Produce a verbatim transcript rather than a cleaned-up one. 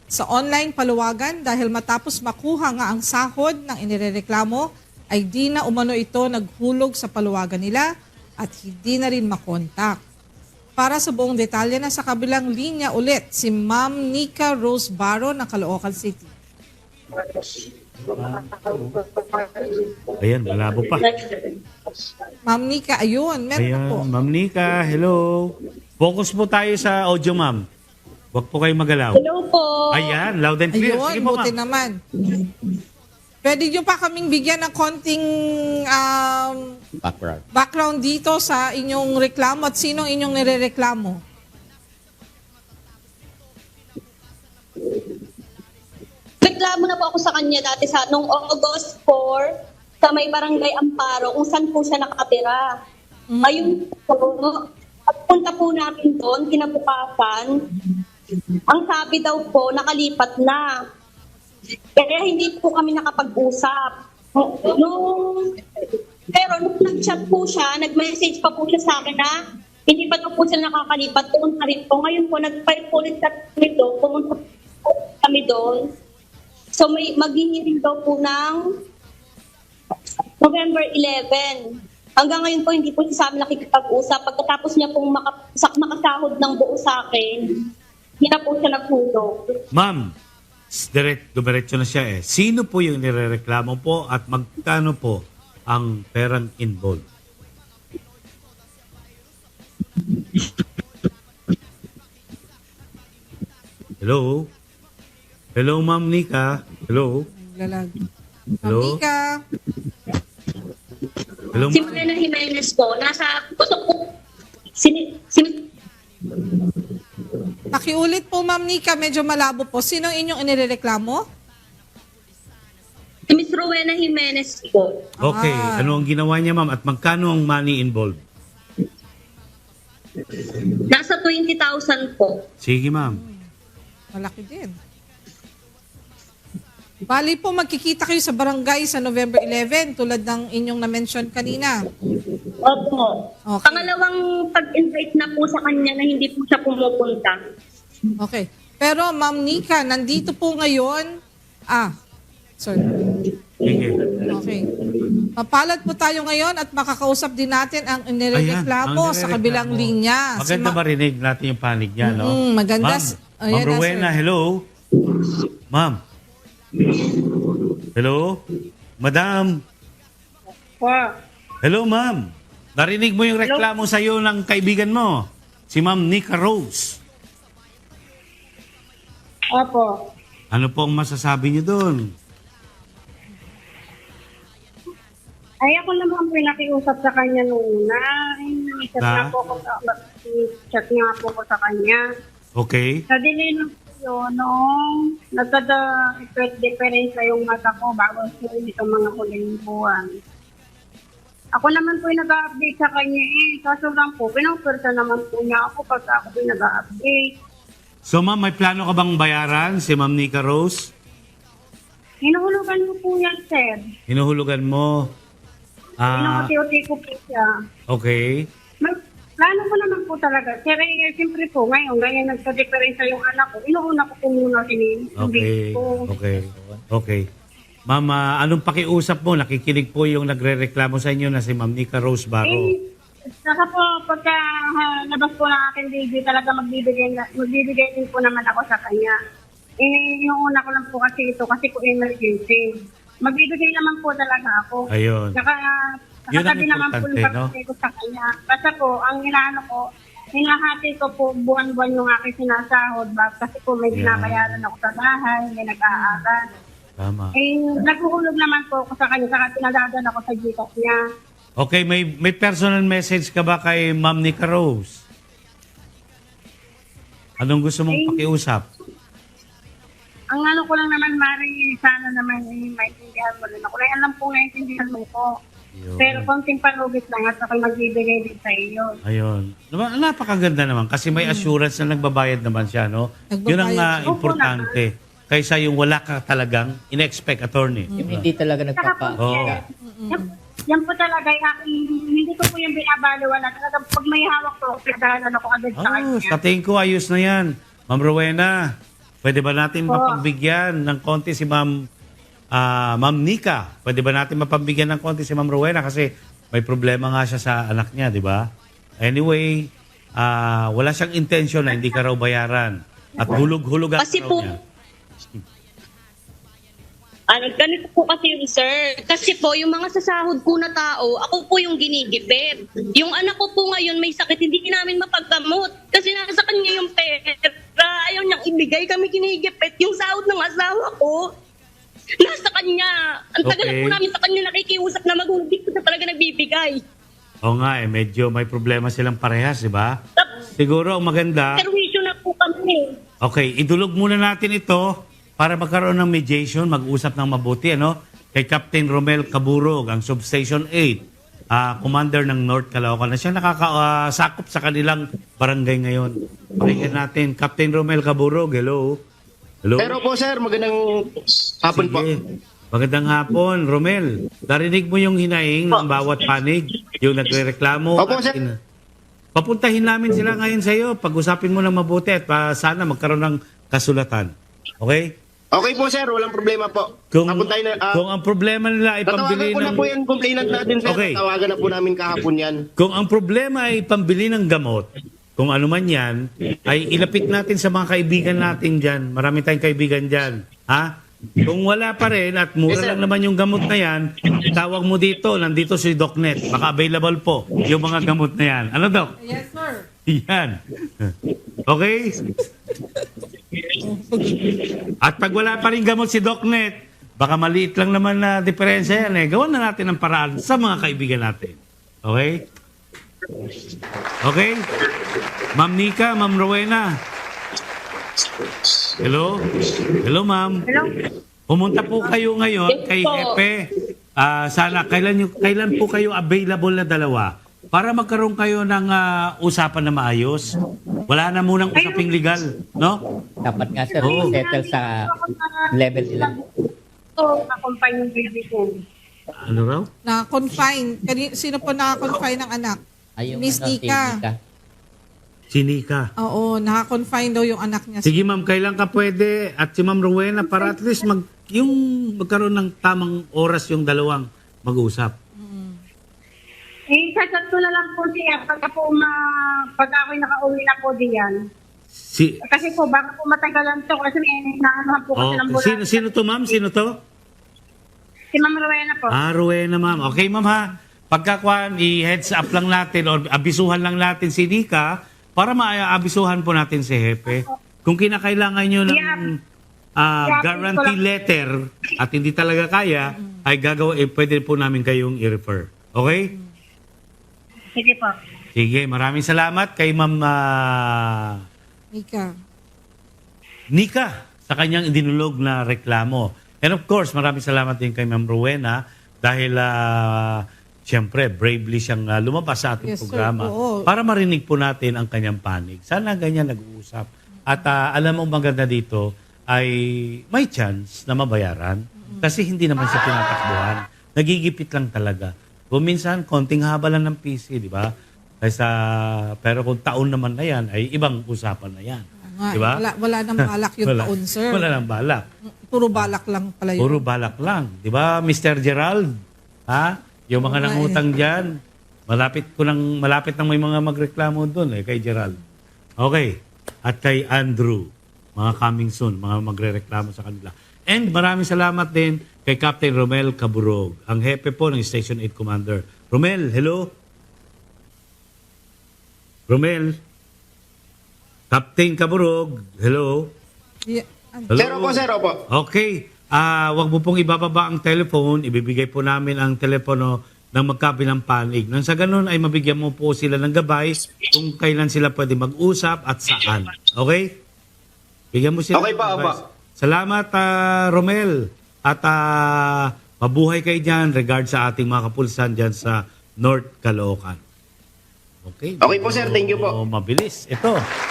sa online paluwagan dahil matapos makuha nga ang sahod ng inirereklamo ay di na umano ito naghulog sa paluwagan nila at hindi na rin makontak. Para sa buong detalye na sa kabilang linya ulit si Ma'am Nica Rose Barro ng Caloocan City. Ayan, malabo pa. Ma'am Nica, ayun, meron Ayan, po. Ma'am Nica, hello. Focus po tayo sa audio, ma'am. Huwag po kayo magalaw. Hello po. Ayan, loud and clear. Ayun, Sige po, buti ma'am. naman. Pwede nyo pa kaming bigyan ng konting um, Background. background dito sa inyong reklamo at sinong inyong nirereklamo? Reklamo na po ako sa kanya dati sa nung August four sa may barangay Amparo kung saan po siya nakatira. Mm. Ayun po, pagpunta po namin doon, kinabukasan, ang sabi daw po, nakalipat na. Kaya hindi po kami nakapag-usap. Nung, pero nung nag-chat po siya, nag-message pa po siya sa akin na hindi pa daw po siya nakakalipat, pumunta rin po. Ngayon po, nag-file po ulit kami doon, pumunta po kami doon. So may maghihiring daw po ng November eleven. Hanggang ngayon po, hindi po siya sa amin nakikipag-usap. Pagkatapos niya pong makasak makasahod ng buo sa akin, hindi na po siya nagtulog. Ma'am, direct, dumiretso na siya eh. Sino po yung nirereklamo po at magkano po ang perang involved? Hello? Hello, Ma'am Nica? Hello? Lalag. Hello? Ma'am Nica, Hello, Si ma'am? Morena Jimenez po, nasa gusto ko, sini, sini, pakiulit po Ma'am Nica, medyo malabo po. Sinong inyong inirereklamo? si Miss Rowena Jimenez po. Okay, Ah. ano ang ginawa niya, ma'am? At magkano ang money involved? Nasa twenty thousand po. Sige, ma'am. Malaki din. Bali po, magkikita kayo sa barangay sa November eleven tulad ng inyong na-mention kanina. Opo. Okay. Pangalawang pag-invite na po sa kanya na hindi po siya pumupunta. Okay. Pero Ma'am Nica, nandito po ngayon. Ah, sorry. Sige. Okay. Papalad po tayo ngayon at makakausap din natin ang inireklamo ang sa nirereklamo. kabilang linya. Si Maganda Ma- marinig natin yung panig niya, no? Mm, maganda. Ma'am, Ayan Ma'am na, Rowena, sir. hello? Ma'am? Hello? Madam? Hello, ma'am. Narinig mo yung reklamo sa iyo ng kaibigan mo, si Ma'am Nica Rose. Opo. Ano po ang masasabi niyo doon? Ay, ako naman po yung nakiusap sa kanya noong una. Ay, chat Na? nga po ko sa, chat nga po ko sa kanya. Okay? Sa delay lang po yun, nung nagkada-difference na yung mata ko bago yun itong mga huling buwan. Ako naman po yung nag-update sa kanya eh. Kaso lang po, pinapwersa naman po niya ako pag ako po yung nag-update. So, ma'am, may plano ka bang bayaran si Ma'am Nica Rose? Hinuhulugan mo po yan, sir. Hinuhulugan mo. Ah, Hinuhulugan ko po siya. okay. May plano ko naman po talaga. Sir, eh, siyempre po, ngayon, ganyan nagka-diferensya yung anak ko. Inuuna ko po muna sinin. Okay. Ko. Okay. Okay. Ma'am, ah, anong pakiusap mo? Nakikinig po yung nagre-reklamo sa inyo na si Ma'am Nica Rose Barro. Eh, saka po, pagka ha, labas po ng aking baby, talaga magbibigay, na- magbibigay din po naman ako sa kanya. Eh, yung una ko lang po kasi ito, kasi po emergency. Magbibigay naman po talaga ako. Ayun. Saka, Yun ang nakatabi naman po yung importante, no? pagbibigay ko sa kanya. Kasi po, ang inaano ko, hinahati ko po buwan-buwan yung aking sinasahod. Ba? Kasi po may Yeah. binabayaran ako sa bahay, may nag-aaral. Tama. Eh, naghuhulog naman po ako sa kanya, saka pinadadala ko sa Gcash niya. Okay, may may personal message ka ba kay Ma'am Nica Rose? Anong gusto mong Eh, pakiusap? Ang ano ko lang naman, Mari, sana naman eh, maintindihan mo rin ako. Kaya alam po naiintindihan mo ko. Ayun. Pero konting palugit lang at ako'y magbibigay din sa iyo. Ayun. Naman, napakaganda naman kasi may assurance na nagbabayad naman siya, no? Nagbabayad Yun ang siya. ah, importante. Kaysa yung wala ka talagang in-expect attorney. Yung hindi talaga Saka po, nagpapa... Oo. eh, yan, yan po talaga yung aking, hindi ko po yung binabaliwala. Talagang pag may hawak ko, pinagdahanan ako agad sa Oh, kanya. sa tingin ko ayos na yan. Ma'am Rowena, pwede ba natin mapagbigyan ng konti si Ma'am ah, Ma'am Nika? Pwede ba natin mapagbigyan ng konti si Ma'am Rowena kasi may problema nga siya sa anak niya, di ba? Anyway, ah, wala siyang intention na hindi ka raw bayaran. At hulog-hulugan Kasi raw po, niya. ano, ganito po kasi yung sir. Kasi po, yung mga sasahod po na tao, ako po yung ginigipit. Yung anak ko po ngayon may sakit, hindi namin mapagkamot. Kasi nasa kanya yung pera. Ayaw niyang ibigay, kami ginigipit. Yung sahod ng asawa ko, nasa kanya. Ang tagal Okay. na po namin sa kanya nakikiusap na magulang. Hindi ko na talaga nagbibigay. Oo nga, eh, medyo may problema silang parehas, di ba? Tapos, Siguro ang maganda, perwisyo na po kami. okay, idulog muna natin ito para magkaroon ng mediation, mag-usap ng mabuti, ano? Kay Captain Romel Caburog, ang Substation eight, ah, Commander ng North Caloocan, na siya nakakasakop sa kanilang barangay ngayon. Pakinggan natin, Captain Romel Caburog, hello? Hello? Pero po sir, magandang hapon po. Sige. Magandang hapon, Romel. Narinig mo yung hinaing ng bawat panig, yung nagrereklamo. Opo, at sir. ina- Papuntahin namin sila ngayon sa iyo. Pag-usapin mo ng mabuti at pa, sana magkaroon ng kasulatan. Okay? Okay po sir, walang problema po. Kung, Napuntay na, ah, kung ang problema nila ay pambili tatawagan ko na ng... po yung complainant natin sir. Okay. Tatawagan na po namin kahapon yan. Kung ang problema ay pambili ng gamot, kung ano man yan, ay ilapit natin sa mga kaibigan natin dyan. Marami tayong kaibigan dyan. Ha? Kung wala pa rin at mura Yes, sir. lang naman yung gamot na yan, tawag mo dito, nandito si DocNet. Baka available po yung mga gamot na yan. Ano, Doc? Yes, sir. Yan. Okay? At pag wala pa rin gamot si DocNet, baka maliit lang naman na diferensya yan eh. Gawan na natin ang paraan sa mga kaibigan natin. Okay? Okay? Ma'am Nika, Ma'am Rowena. Hello? Hello, ma'am. Hello? Pumunta po kayo ngayon kay Hepe. Ah, sana, kailan, yung, kailan po kayo available na dalawa para magkaroon kayo ng ah, usapan na maayos? Wala na munang usaping legal, no? Dapat nga sir, Oo. settle sa level nila. So, accompany yung baby ko. Ano raw? Na-confine. Kani- Sino po naka-confine ng anak? Ay, yung Miss ano, si Nika. Nika. Sinika. Oo, naka-confine daw yung anak niya. Sige ma'am, kailan ka pwede at si Ma'am Rowena para at least mag, yung magkaroon ng tamang oras yung dalawang mag-usap. Eh, chat ko na lang po siya pagka po ma... pag ako'y nakauwi na po diyan. Si, Kasi po, baka po matagalan to kasi may naanohan po kasi oh, ng bulan. sino, sino to ma'am? Sino to? Si Ma'am Rowena po. Ah, Rowena ma'am. Okay ma'am ha. Pagkakuan, i-heads up lang natin or abisuhan lang natin si Nika para maabisuhan po natin si Hepe. Kung kinakailangan nyo ng ah, Yeah, guarantee letter at hindi talaga kaya, ay gagawa, eh, pwede po namin kayong i-refer. Okay? Sige po. Sige, maraming salamat kay Ma'am ah, Nika. Nika sa kanyang idinulog na reklamo. And of course, maraming salamat din kay Ma'am Rowena dahil ah, siyempre, bravely siyang ah, lumabas sa ating Yes, sir. programa Oo. para marinig po natin ang kanyang panig. Sana ganyan nag-uusap. At ah, alam mo, maganda dito ay may chance na mabayaran kasi hindi naman siya tinatakbuhan. Nagigipit lang talaga. Kung minsan, konting haba lang ng P C, di ba? Kaysa, pero kung taon naman na yan, ay ibang usapan na yan. Nga, Di ba? Wala, wala nang balak yung Wala. taon, sir. Wala nang balak. Puro balak lang pala yun. Puro balak lang. Di ba, Mister Gerald? Ha? Yung mga Oo nga nangutang dyan, malapit ko nang, malapit nang may mga magreklamo doon eh, kay Gerald. Okay. At kay Andrew, mga coming soon, mga magrereklamo sa kanila. And maraming salamat din kay Captain Romel Caburog, ang hepe po ng Station eight Commander. Romel, hello? Romel? Captain Caburog, hello? Yeah. Ano? Hello? Sir, opo sir, opo. Okay. Ah, wag mo pong ibababa ang telephone, ibibigay po namin ang telepono ng magkabilang panig. Nang sa ganun ay mabigyan mo po sila ng gabay kung kailan sila pwede mag-usap at saan. Okay? Bigyan mo sila Okay ng pa, advice. opo. Salamat, ah, Romel. At ah, mabuhay kayo dyan regard sa ating mga kapulsan dyan sa North Caloocan. Okay. Okay po, sir. Thank you po. Oh, mabilis. Ito.